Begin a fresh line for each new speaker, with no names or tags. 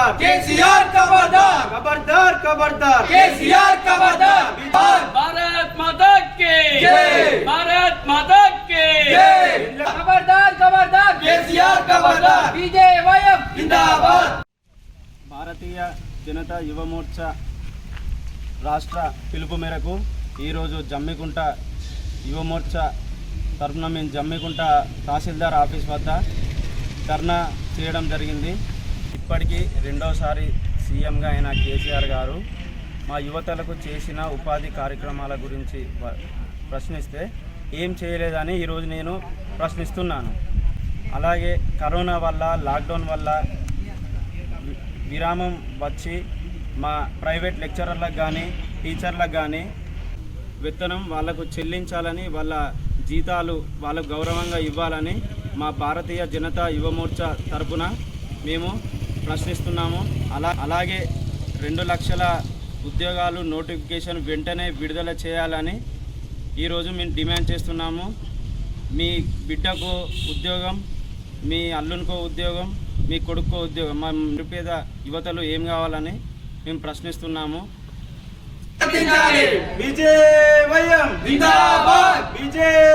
खबरदार
केसीआर खबरदार
खबरदार खबरदार
केसीआर खबरदार
भारत माता की
जय
भारत माता की
जय
खबरदार खबरदार
केसीआर खबरदार
बीजेवाईएम
जिंदाबाद
భారతీయ జనతా యువ మోర్చా రాష్ట్ర పిలుపు మేరకు ఈరోజు జమ్మికుంట యువ మోర్చా తరఫున మేము జమ్మికుంట తహసీల్దార్ ఆఫీస్ వద్ద ధర్నా చేయడం జరిగింది. ఇప్పటికీ రెండోసారి సీఎంగా అయిన కేసీఆర్ గారు మా యువతలకు చేసిన ఉపాధి కార్యక్రమాల గురించి ప్రశ్నిస్తే ఏం చేయలేదని ఈరోజు నేను ప్రశ్నిస్తున్నాను. అలాగే కరోనా వల్ల లాక్డౌన్ వల్ల విరామం వచ్చి మా ప్రైవేట్ లెక్చరర్లకు కానీ టీచర్లకు కానీ వేతనం వాళ్ళకు చెల్లించాలని, వాళ్ళ జీతాలు వాళ్ళకు గౌరవంగా ఇవ్వాలని మా భారతీయ జనతా యువ మోర్చా తరపున మేము ప్రశ్నిస్తున్నాము. అలాగే 2 లక్షల ఉద్యోగాలు నోటిఫికేషన్ వెంటనే విడుదల చేయాలని ఈరోజు మేము డిమాండ్ చేస్తున్నాము. మీ బిడ్డకు ఉద్యోగం, మీ అల్లునికో ఉద్యోగం, మీ కొడుకో ఉద్యోగం, మా నిరుపేద యువతలు ఏం కావాలని మేము ప్రశ్నిస్తున్నాము.
విజయవాయం
जिंदाबाद
విజయ